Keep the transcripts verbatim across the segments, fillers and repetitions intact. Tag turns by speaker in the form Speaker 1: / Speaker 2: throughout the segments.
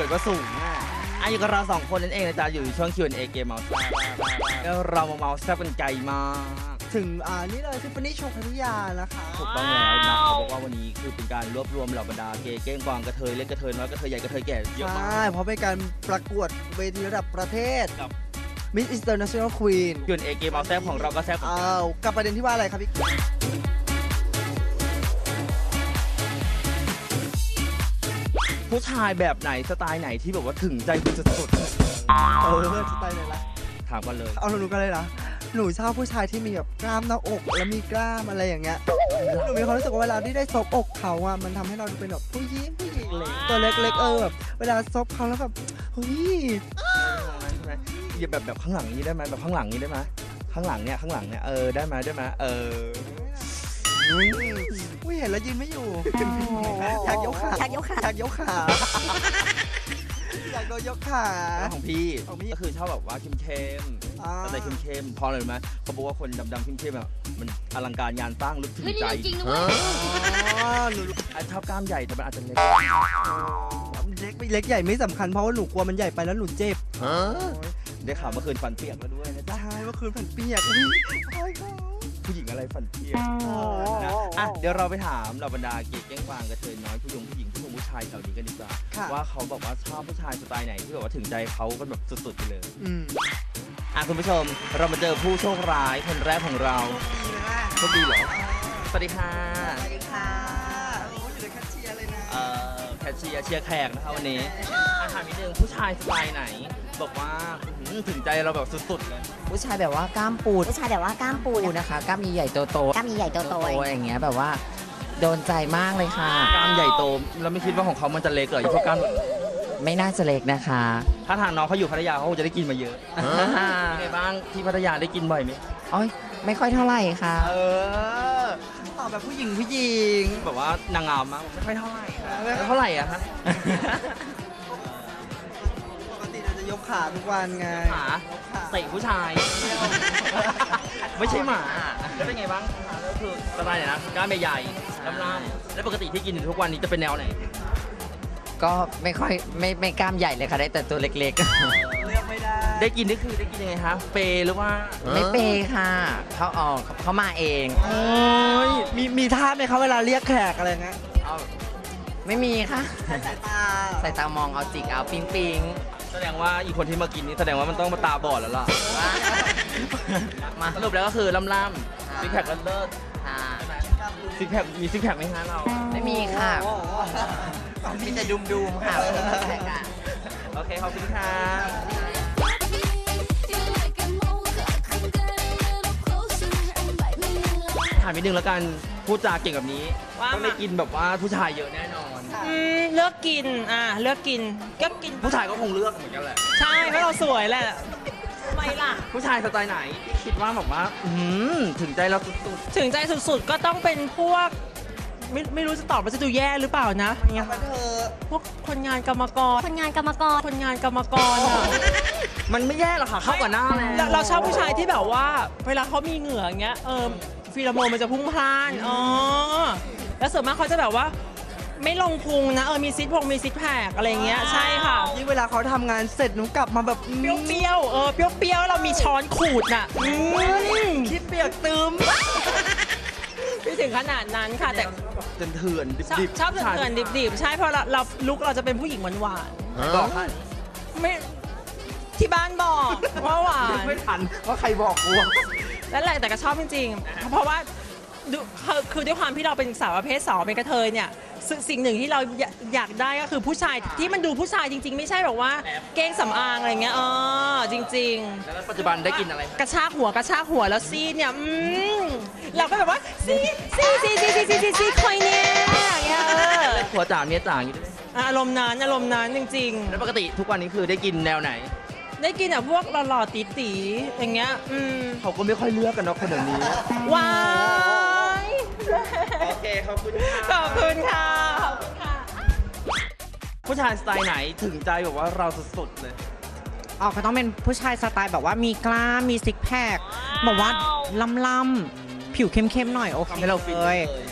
Speaker 1: ก็สูงอ่ะอ่ะอยู่กับเราสองคนนั่นเองนะจ๊ะอยู่ช่วง คิว แอนด์ เอ เกมเมาส์แล้วเรามาเมาส์แซ่บกันไกลมาก
Speaker 2: ถึงอ่านี่เลยทิฟฟานี่โชว์พัทยานะคะ
Speaker 1: ถูกต้องแล้วนะเขาบอกว่าวันนี้คือเป็นการรวบรวมเหล่าบรรดาเกย์เก้งกวางกระเทยเล็กกระเทยน้อยกระเทยใหญ่กระเทยแก่เยอะมาก
Speaker 2: ใช่เพราะเป็นการประกวดเวทีระดับประเทศMiss International Queen
Speaker 1: คิว แอนด์ เอ เกมเมาส์แซ่บของเราก็แซ่บเหมือนกัน
Speaker 2: อ้าวกับประเด็นที่ว่าอะไรครับพี่
Speaker 1: ผู้ชายแบบไหนสไตล์ไหนที่แบบว่าถึงใจคุณสุดๆ
Speaker 2: เออสไตล์ไหนล่ะ
Speaker 1: ถามกันเลย
Speaker 2: เอาหนูกันเลยนะหนูชอบผู้ชายที่มีแบบกล้ามหน้าอกแล้วมีกล้ามอะไรอย่างเงี้ยหนูมีความรู้สึกว่าเวลาที่ได้ซบอกเขาอ่ะมันทำให้เราดูเป็นแบบผู้หญิงผู้หญิงเล็กตัวเล็กๆเออแบบเวลาซบเขาแล้วแบบเฮ้ย
Speaker 1: ใช่ไหมแบบแบบข้างหลังนี้ได้ไหมแบบข้างหลังนี้ได้ไหมข้างหลังเนี่ยข้างหลังเนี่ยเออได้ไหมได้ไหมเออ
Speaker 2: อุ้ยเห็นแล้วยืนไม่อยู่อยากยกขา
Speaker 3: อยากยกขา
Speaker 2: อยากยกขาอยากโดนยกขา
Speaker 1: ของพี่ก็คือชอบแบบว่าเข้มๆอะไรเข้มๆพอเลยไหมเขาบอกว่าคนดำๆเข้มๆแบบมันอลังการงานสร้างลึกถึงใจ
Speaker 3: จริงด้วย
Speaker 1: ชอบกล้ามใหญ่แต่มันอาจจะเล็ก
Speaker 2: เล็กไม่เล็กใหญ่ไม่สำคัญเพราะว่าหนูกลัวมันใหญ่ไปแล้วหนูเจ็บ
Speaker 1: ได้ข่าวเมื่อคืนฟันเปียกแล้วด้วยนะจ๊ะ
Speaker 2: ใช่เมื่อคืนฟันเปียก
Speaker 1: ผู้หญิงอะไรฟันเปียกนะอ่ะเดี๋ยวเราไปถามเราบรรดาเก๊กแก้งกวางกระเทยน้อยผู้หญิงผู้หญิงผู้ชมผู้ชายแถวนี้กันดีกว่าว่าเขาบอกว่าชอบผู้ชายสไตล์ไหนที่แบบว่าถึงใจเขากันแบบสุดๆไปเลยอ่ะคุณผู้ชมเรามาเจอผู้โชคร้ายคนแรกของเราโชคดีเหรอสวัสดีค่ะ
Speaker 2: สวัสดีค่ะโอ้ยอยู่ในแคชเชียร์เลยนะ
Speaker 1: เอ่อแคชเชียร์เชียร์แขกนะคะวันนี้อาถามนิดนึงผู้ชายสไตล์ไหนบอกว่าถึงใจเราแบบสุดๆเลย
Speaker 4: ผู้ชายแบบว่ากล้ามปูด
Speaker 3: ผู้ชายแบบว่ากล้ามปูด
Speaker 4: นะคะกล้ามใหญ่ๆโตๆ
Speaker 3: กล้ามใหญ่ๆโต
Speaker 4: ๆอย่างเงี้ยแบบว่าโดนใจมากเลยค่ะ
Speaker 1: กล้ามใหญ่โตแล้วไม่คิดว่าของเขามันจะเล็กเหรอพวกกล้าม
Speaker 4: ไม่น่าจะเล็กนะคะ
Speaker 1: ถ้าทางน้องเขาอยู่พัทยาเขาจะได้กินมาเยอะไงบ้างที่พัทยาได้กินบ่อยไหม
Speaker 4: อ๋อไม่ค่อยเท่าไหร่ค่ะ
Speaker 1: เออ
Speaker 2: ตอบแบบผู้หญิงผู้หญิง
Speaker 1: แบบว่านางงามมั้งไม่ค่อยเท่าไหร่เท่าไหร่อะฮะ
Speaker 2: ปกติเราจะยกขาทุกวันไง
Speaker 1: ขาเตะผู้ชายไม่ใช่หมาแล้วเป็นไงบ้างก็คือสไตล์ไหนนะกล้ามใหญ่ๆล่ำๆแล้วปกติที่กินทุกวันนี้จะเป็นแนวไหน
Speaker 4: ก็ไม่ค่อยไม่ไม่กล้ามใหญ่เลยค่ะได้แต่ตัวเล็กๆเ
Speaker 2: ลือกไม่ได้
Speaker 1: ได้กินนี่คือได้กินยังไงคะเปหรือว่า
Speaker 4: ไม่เปค่ะเขาออกเขามาเอง
Speaker 2: โอ้ยมีมีท่าไหมคะเวลาเรียกแขกอะไรเงี้ย
Speaker 4: ไม่มีค่ะ
Speaker 2: สายตา
Speaker 4: สายตามองเอาจิกเอาปิ๊งปิ๊ง
Speaker 1: แสดงว่าอีกคนที่มากินนี่แสดงว่ามันต้องมาตาบอดแล้วล่ะมาสรุปแล้วก็คือล่ำๆซิกแพคก็เลิศซิกแพคมีซิกแพคไหมฮะเรา
Speaker 4: ไม่มีค่ะมีแต่ดุมดุมค่ะ
Speaker 1: โอเคขอบคุณค่ะถามนิดนึงแล้วกันพูดจาเก่งแบบนี้ต้องได้กินแบบว่าผู้ชายเยอะแน่นอน
Speaker 5: เลือกกินอ่ะเลือกกินก็กิน
Speaker 1: ผู้ชายก็คงเลือกเหมือนกันแหละ
Speaker 5: ใช่เพราะเราสวยแหละทำไมล่ะ
Speaker 1: ผู้ชายสไตล์ไหนคิดว่าแบบว่าถึงใจเราสุด
Speaker 5: ๆถึงใจสุดๆก็ต้องเป็นพวกไม่ไม่รู้จะตอบว่าจะดูแย่หรือเปล่านะพวกคนงานกรรมกร
Speaker 3: คนงานกรรมกร
Speaker 5: คนงานกรรมกรอะ
Speaker 1: มันไม่แย่หรอกค่ะเข้ากับหน้า
Speaker 5: เราเราชอบผู้ชายที่แบบว่าเวลาเขามีเหงื่ออย่างเงี้ยเออฟีโรโมนมันจะพุ่งพล่านอ๋อแล้วส่วนมากเขาจะแบบว่าไม่ลงพุงนะเออมีซิทพงมีซิทแพคอะไรเงี้ยใช่ค่ะ
Speaker 2: ที่เวลาเขาทำงานเสร็จหนูกลับมาแบบ
Speaker 5: เปรี้ยวๆเออเปรี้ยวๆเรามีช้อนขูดน่ะ
Speaker 2: คิดเปียกตืม
Speaker 5: ไม่ถึงขนาดนั้นค่ะแต่
Speaker 1: เถื่อนดิบ
Speaker 5: ชอบเถื่อนดิบๆใช่เพราะเราลุกเราจะเป็นผู้หญิงหวาน
Speaker 1: ๆบอก
Speaker 5: ไม่ที่บ้านบอกว่าหวาน
Speaker 1: ไม่ทันว่าใครบอกกู
Speaker 5: แล้วแหละแต่ก็ชอบจริงๆเพราะว่าคือด้วยความที่เราเป็นสาวประเภทสองเป็นกระเทยเนี่ยสิ่งหนึ่งที่เราอยากได้ก็คือผู้ชายที่มันดูผู้ชายจริงๆไม่ใช่แบบว่าเก้งสำอางอะไรเงี้ยอ๋อจริง
Speaker 1: ๆแล้วปัจจุบันได้กินอะไร
Speaker 5: กระชากหัวกระชากหัวแล้วซีดเนี่ยเราก็แบบว่าซีซีซีซีซีซีซีคอยเนี่ยอย่างเงี้ย
Speaker 1: หัวจ่าเมียจ่าอย่างนี้
Speaker 5: อารมณ์นั้นอารมณ์นั้นจริง
Speaker 1: ๆแล้วปกติทุกวันนี้คือได้กินแนวไหน
Speaker 5: ได้กินแบบพวกหล่อๆตี๋ๆอย่างเงี้ย
Speaker 1: เขาก็ไม่ค่อยเลือกกันเนาะคนแบบนี้
Speaker 5: ว้าย
Speaker 1: โอเคขอบคุณค่ะ
Speaker 5: ขอบคุณค่ะขอบคุณค่ะ
Speaker 1: ผู้ชายสไตล์ไหนถึงใจแบบว่าเราสุดๆเลย
Speaker 4: อ๋อเขาต้องเป็นผู้ชายสไตล์แบบว่ามีกล้ามมีซิกแพคแบบว่าล่ำๆผิวเข้มๆหน่อยโอเค
Speaker 1: ให้เราฟินเลย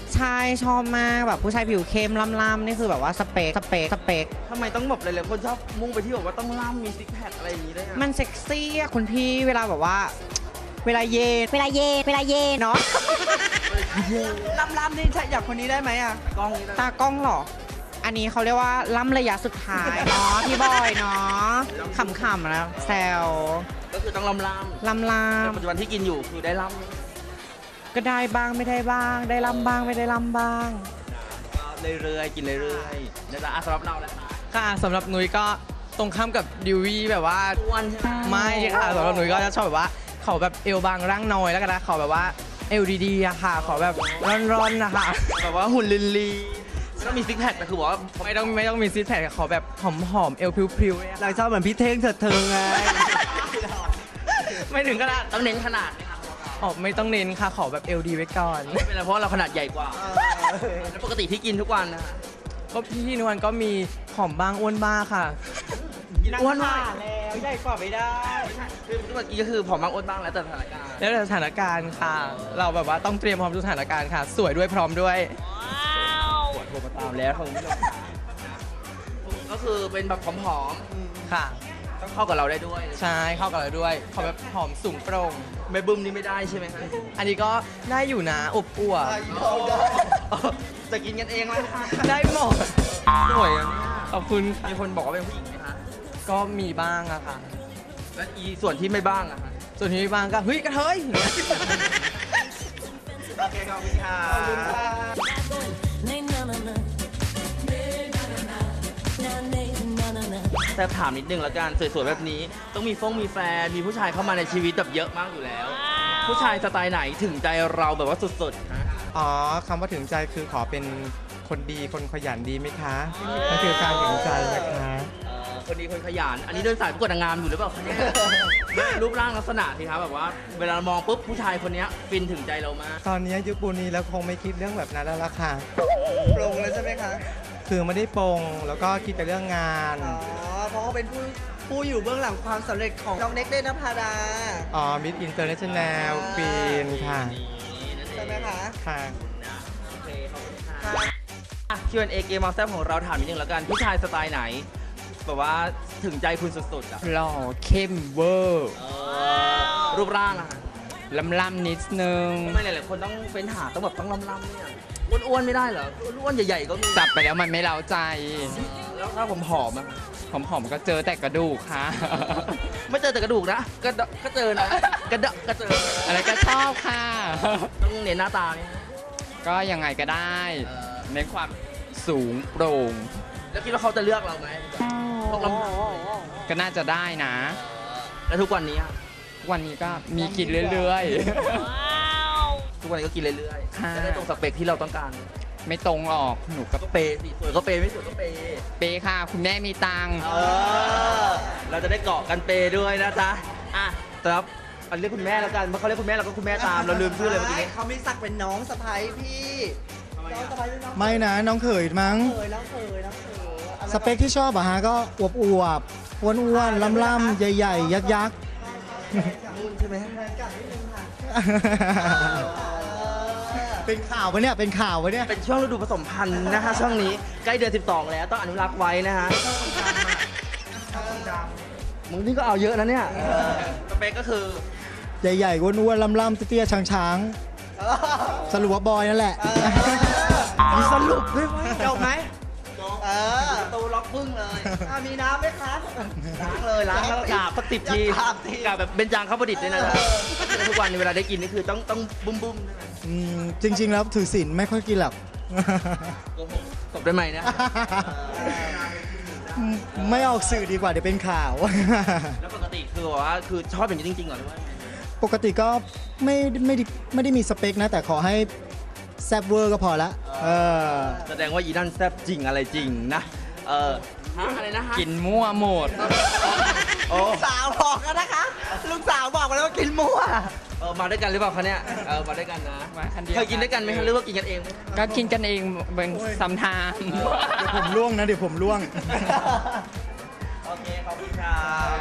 Speaker 3: ใช่ชอบมากแบบผู้ชายผิวเข้มล่ำๆนี่คือแบบว่าสเปคสเปคสเปค
Speaker 1: ทำไมต้องแบบหลายๆคนชอบมุ่งไปที่แบบว่าต้องล่ำมีซิกแพคอะไรอย่างนี้ด้วยอะ
Speaker 3: มันเซ็กซี่อะคุณพี่เวลาแบบว่า เวลาเย็นเวลาเย็นเวลาเย็นเนาะ
Speaker 2: ล่ำๆนี่ใช่อย่างคนนี้ได้ไหมอ่ะ
Speaker 1: กล้องนี้นะ
Speaker 3: ตากล้องเหรอ อันนี้เขาเรียกว่าล่ำระยะสุดท้ายเนาะพี่บอยเนาะขำๆแล้วแซว
Speaker 1: ก็คือต้องล่ำล่ำ
Speaker 3: ล่ำล่
Speaker 1: แต่ปัจจุบันที่กินอยู่คือได้ล่ำ
Speaker 3: ำก็ได้บ้างไม่ได้บ้าง ได้ล่ำบ้างไม่ได้ล่ำบ้าง
Speaker 1: ก็เรื่อยๆกินเรื่อยๆนะจ๊ะอ่ะสำหรับเราแล้วคะ
Speaker 6: ค่ะสำหรับนุ้ยก็ตรงข้ามกับดิววี่แบบว่า
Speaker 1: อ้วนใช่ไหม
Speaker 6: ไม่ค่ะสำหรับนุ้ยก็จะชอบแบบว่าเขาแบบเอวบางร่างน้อยแล้วกันนะขอแบบว่าเอวดีๆอะค่ะ ขอแบบร้อนๆนะคะ
Speaker 1: แบบว่าหุ่นลินลีก็มีซิกแพคแต่คือบอกว่า
Speaker 6: ไม่ต้องไม่ต้องมีซิทแพคขอแบบหอมๆเอวพริ้วๆเนี่ย
Speaker 2: เราชอบเหมือนพี่เท่งเถิดเทิงไง
Speaker 6: ไม่ถึงขนาด
Speaker 1: ต้องเน้นขนาดไหมคะ
Speaker 6: อ๋อไม่ต้องเน้นค่ะขอแบบเอวดีไว้ก่อน
Speaker 1: ไม่เป็นไรเพราะว่าเราขนาดใหญ่กว่าแล้วปกติที่กินทุกวันนะ
Speaker 6: ก็พี่นวลก็มีหอมบ้างอ้วนบ้างค่ะ
Speaker 1: กินอ้วนมาก
Speaker 2: แล้วใหญ่กว่าไม่ได้
Speaker 1: คือเมื่อกี้ก็คือผอมบ้างอ้วนบ้างแล้วแต่สถานการณ์
Speaker 6: แล้วแต่สถานการณ์ค่ะ เราแบบว่าต้องเตรียมพร้อมทุกสถานการณ์ค่ะ สวยด้วยพร้อมด้วย
Speaker 1: ปวดโทรมาตามแล้วคุณผู้ชมก็คือเป็นแบบผอม
Speaker 6: ค่ะ
Speaker 1: ๆต้องเข้ากับเราได้ด้วย
Speaker 6: ใช่เข้ากับเราด้วยขอแบบหอมสูงโปร่ง
Speaker 1: ไม่บึ้มนี่ไม่ได้ใช่ไหมคะ
Speaker 6: อันนี้ก็ได้อยู่นะอบอวบ
Speaker 1: จะกินกันเองไหมคะ
Speaker 6: ได้หมด
Speaker 1: สวยอ่ะเนี่ย
Speaker 6: ขอบคุณค่ะ
Speaker 1: มีคนบอกว่าเป็นผู้หญิงไหมคะ
Speaker 6: ก็มีบ้างอะค่ะ
Speaker 1: และอีส่วนที่ไม่บ้างอะคะ
Speaker 6: ส่วนที่มีบ้างก็เฮ้ยกระเทย
Speaker 1: โอเคขอบคุณค่ะแต่ถามนิดนึงแล้วกันสวยๆแบบนี้ ต้องมีฟงมีแฟนมีผู้ชายเข้ามาในชีวิตแบบเยอะมากอยู่แล้ว ผู้ชายสไตล์ไหนถึงใจเราแบบว่าสุดๆฮะ
Speaker 7: อ๋อคำว่าถึงใจคือขอเป็นคนดีคนขยันดีไหมคะนั่นคือการถึงใจนะคะ
Speaker 1: เอ่อคนดีคนขยัน อันนี้เดินสายประกวดนางงามอยู่หรือเปล่าคะเนี่ยรูปร่างลักษณะสิครับแบบว่า เวลามองปุ๊บผู้ชายคนเนี้ยฟินถึงใจเรามาก
Speaker 7: ตอนนี้ยุคปูนี้แล้วคงไม่คิดเรื่องแบบนั้นแล้วล่ะค่ะ
Speaker 2: ปรงแล้วใช่ไหมคะ
Speaker 7: คือไม่ได้ปรงแล้วก็คิดแต่เรื่องงาน
Speaker 2: อ๋อ เพราะเขาเป็นผู้ผู้อยู่เบื้องหลังความสำเร็จของน้องเน็กเดนภาดา
Speaker 7: อ๋อมิสอินเตอร์เนชั่นแนลปีนค่ะ
Speaker 2: ใช่ไหมคะ
Speaker 7: ค่ะ
Speaker 1: โอเคขอบคุณค่ะอ่ะ คิว แอนด์ เอ เกมมาแซ่บของเราถามนิดนึงแล้วกัน ผู้ชายสไตล์ไหน แบบว่าถึงใจคุณสุดๆอ่ะ
Speaker 6: หล่อเข้มเวอร์
Speaker 1: เออรูปร่างอะ
Speaker 6: ลำล่ำๆนิดนึง
Speaker 1: ทำไมหลายๆคนต้องเป็นหาต้องแบบต้องล่ำๆเนี่ยอ้วนๆไม่ได้เหรออ้วนๆใหญ่ๆก็มี
Speaker 6: จับไปแล้วมันไม่เล้าใจ
Speaker 1: แล้วถ้าผมผอมๆอะ
Speaker 6: หอมๆก็เจอแต่กระดูกค่ะ
Speaker 1: ไม่เจอแต่กระดูกนะกระดะก็เจอนะกระดะก็เจอ
Speaker 6: อะไรก็ชอบค่ะ
Speaker 1: ต้องเน้นหน้าตาเนี่ย
Speaker 6: ก็ยังไงก็ได้
Speaker 1: เออ
Speaker 6: ในความสูงโปร่ง
Speaker 1: แล้วคิดว่าเขาจะเลือกเราไหมพวกลำพัง
Speaker 6: ก็น่าจะได้นะ
Speaker 1: แล้วทุกวันนี้อะ
Speaker 6: วันนี้ก็มีกินเรื่อย
Speaker 1: ทุกวันนี้ก็กินเรื่อย
Speaker 6: ค่ะ
Speaker 1: ๆจะได้ตรงสเปคที่เราต้องการ
Speaker 6: ๆ ไม่ตรงหรอกหนูก็
Speaker 1: ก็เปย์สิสวยก็เปย์ไม่สวยก็เปย์
Speaker 6: เปย์ค่ะ คุณแม่มีตังค์
Speaker 1: เออเราจะได้เกาะกันเปย์ด้วยนะจ๊ะอ่ะแต่ครับอันเรียกคุณแม่แล้วกันเพราะเขาเรียกคุณแม่เราก็คุณแม่ตามเราลืมชื่อเลยเมื่อกี้นี้
Speaker 2: เขามีศักดิ์เป็นน้องสะใภ้พี่ น้องสะใภ้เป็นน้อง
Speaker 7: ไม่นะน้องเขยมั้ง
Speaker 2: เคยน้องเคยน้องเคย
Speaker 7: สเปคที่ชอบอะฮะก็อวบอวบอ้วนอ้วนล่ำล่ำๆใหญ่ๆ ยักษ์ยักษ์
Speaker 2: นุ่นใช่ไหมกัดนิดนึงค่ะ
Speaker 7: เป็นข่าวปะเนี่ยเป็นข่าวปะเนี่ย
Speaker 1: เป็นช่วงฤดูผสมพันธุ์นะฮะช่วงนี้ใกล้เดือนสิบสองแล้วต้องอนุรักษ์ไว้นะฮะมึงนี่ก็เอาเยอะนะเนี่ยสเปคก็คือ
Speaker 7: ใหญ่ๆอ้วนอ้วนล่ำล่ำๆเตี้ยๆช้างๆ สรุปว่าบอยนั่นแหละ
Speaker 1: มีสรุปด้วยว่าจบไหม
Speaker 2: เออ
Speaker 1: ประตูล็อกพึ่งเลย
Speaker 2: อ่ะมีน้ำไหมคะ
Speaker 1: ล้างเลยล้างแล้วกราบสักสิบที
Speaker 2: กราบที
Speaker 1: กราบแบบเบญจางข้าวประดิษฐ์ด้วยนะทุกวันนี้เวลาได้กินนี่คือต้องต้องบุ้มบุ้มๆใช่ไหม
Speaker 7: อืมจริง ๆ แล้วถือศีลไม่ค่อยกินหรอก
Speaker 1: โกหกตบได้ไหมนะ
Speaker 7: ไม่ออกสื่อดีกว่าเดี๋ยวเป็นข่าว
Speaker 1: แล้วปกติคือแบบว่าคือชอบอย่างนี้จริงๆเหรอหรือว่า
Speaker 7: ปกติก็ไม่ไม่ได้ไม่ได้มีสเปคนะ แต่ขอให้แซบเวอร์ก็พอละเออ
Speaker 1: แสดงว่าอีนั่นแซ่บจริงอะไรจริงนะ เออฮะอะไรนะฮะ
Speaker 6: กินมั่วหมด
Speaker 1: โอ้
Speaker 2: ลูกสาวบอกแล้วนะคะ ลูกสาวบอกมาแล้วว่ากินมั่ว
Speaker 1: เออมาด้วยกันหรือเปล่าคะเนี่ย เออมาด้วยกันนะ
Speaker 6: มาคันเดียว
Speaker 1: เคยกินด้วยกันไหมคะหรือว่ากินกันเองไหม
Speaker 6: ก็กินกันเองเป็นซัมไทม์
Speaker 7: เดี๋ยวผมล่วงนะ เดี๋ยวผมล่วง
Speaker 1: โอเคขอบคุณครับ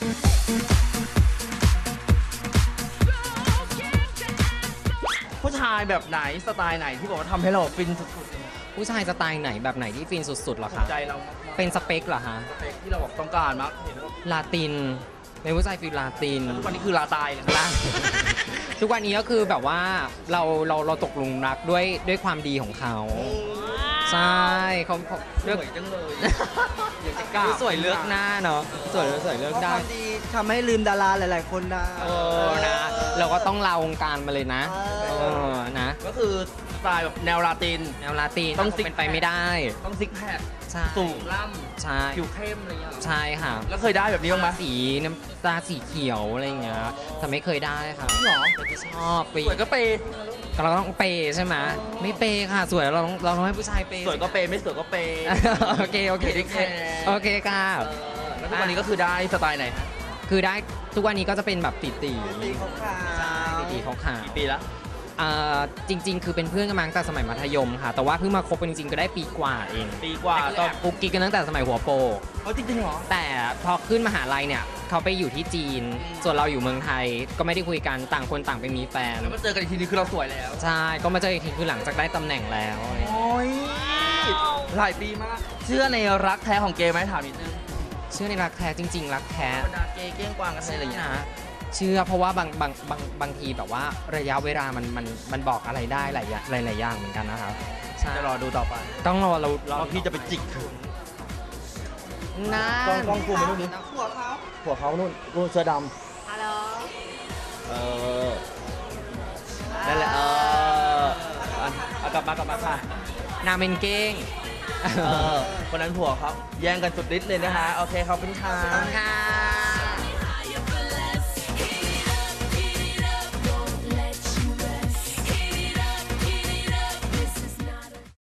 Speaker 1: ผู้ชายายแบบไหนสไตล์ไหนที่บอกว่าทำให้เราฟินสุด
Speaker 3: ผู้ชายสไตล์ไหนแบบไหนที่ฟินสุดๆเหรอ
Speaker 1: ๆถู
Speaker 3: คะ
Speaker 1: กใจเรามากๆ
Speaker 3: เป็นสเปคเหรอคะ
Speaker 1: สเปคที่เราบอกต้องการมากเห็นแล้ว
Speaker 3: ลาตินเป็นผู้ชายฟิลลาติน
Speaker 1: ทุกวันนี้คือลาตายเลย
Speaker 3: ล่าง ทุกวันนี้ก็คือแบบว่าเราเราเราตกหลุมรักด้วยด้วยความดีของเขา ใช่เขาเขา
Speaker 1: ส
Speaker 3: เลือก
Speaker 1: วยจังเลยอยากจะกล้า
Speaker 3: สวยเลือกหน้าเนาะสวยสวยเลือก
Speaker 2: เพราะค
Speaker 3: ได้
Speaker 2: วามดีทำให้ลืมดาราหลาย ๆ คนได้
Speaker 3: เออนะเราก็ต้องลาวงการมาเลยนะ
Speaker 2: เอ
Speaker 3: เอ
Speaker 2: อ
Speaker 3: อนะ
Speaker 1: ก็คือสไตล์แบบแนวลาติน
Speaker 3: แนวลาติน
Speaker 1: ต้อง
Speaker 3: ค
Speaker 1: ซิก
Speaker 3: เป็นไปไม่ได้
Speaker 1: ต้องซิกแพค
Speaker 3: ใช่
Speaker 1: สูงล่
Speaker 3: ใช่
Speaker 1: ำผิวเข้มอะไรอย่างเงี้ยเหรอ
Speaker 3: ใช่ค่ะ
Speaker 1: แล้วเคยได้แบบนี้บ้างไหม
Speaker 3: สีน้ำตาสีเขียวอะไรอย่างเงี้ยแต่ไม่เคยได้ค่ะ
Speaker 1: หรอ
Speaker 3: แต่ที่ชอบไป
Speaker 1: สวยก็เปย์
Speaker 3: เราต้องเปย์ใช่ไหมไม่เปย์ค่ะสวยเราต้องเราต้องให้ผู้ชายเปย์
Speaker 1: สวยก็เปย์ไม่สวยก็เปย์
Speaker 3: โอเคโอเค
Speaker 1: ไม่ได้แคร์
Speaker 3: โอเคค่ะ
Speaker 1: เออแล้วทุกวันนี้ก็คือได้สไตล์ไหนฮะ
Speaker 3: คือได้ทุกวันนี้ก็จะเป็นแบบตีตี
Speaker 2: ตีขาวๆ
Speaker 3: ตีตีเขาขา
Speaker 1: กี่ปีละ
Speaker 3: อ่าจริง ๆ คือเป็นเพื่อนกันมาตั้งแต่สมัยมัธยมค่ะ แต่ว่าเพิ่งมาคบกันจริงๆก็ได้ปีกว่าเอง
Speaker 1: ปีกว่า
Speaker 3: ต
Speaker 1: ต
Speaker 3: อ
Speaker 1: อน น
Speaker 3: กุ๊กกิ๊กกันตั้งแต่สมัยหัวโปก
Speaker 1: เขาจริงๆเหรอ
Speaker 3: แต่พอขึ้นมหาลัยเนี่ยเขาไปอยู่ที่จีน ส่วนเราอยู่เมืองไทยก็ไม่ได้คุยกันต่างคนต่างไปมีแฟน
Speaker 1: แล้วมาเจอกันอีกทีนึงคือเราสวยแล้ว
Speaker 3: ใช่ก็มาเจออีกทีคือหลังจากได้ตำแหน่งแล้ว
Speaker 1: โอ้ยหลายปีมาก เชื่อในรักแท้ของเกย์ไหมถามนิดนึง
Speaker 3: เชื่อในรักแท้จริง ๆ รักแท้
Speaker 1: บรรดาเกย์เก้งกวางกันอะไรอย่างเงี้ย
Speaker 3: นะเชื่อเพราะว่าบางบางบางบางทีแบบว่าระยะเวลามันมันมันบอกอะไรได้หลายอย่างหลายหลายอย่างเหมือนกันนะครับใช่
Speaker 1: จะรอดูต่อไป
Speaker 3: ต้องรอเรารอ
Speaker 1: ว่าพี่จะไปจิกถึง
Speaker 3: นะ
Speaker 1: กล้องกล้องกูมาดูดิ
Speaker 2: หัวเขา
Speaker 1: หัวเขานู่นนู่นเสื้อดำ
Speaker 5: ฮัลโหล
Speaker 1: เออ นั่นแหละ เอออ่ะเอากลับมากลับมาค่ะ
Speaker 3: นาเป็นเก้ง
Speaker 1: เออคนนั้นผัวเขาแย่งกันสุดฤทธิ์เลยนะฮะ โอเคขอบคุณค่ะ
Speaker 3: ค่ะ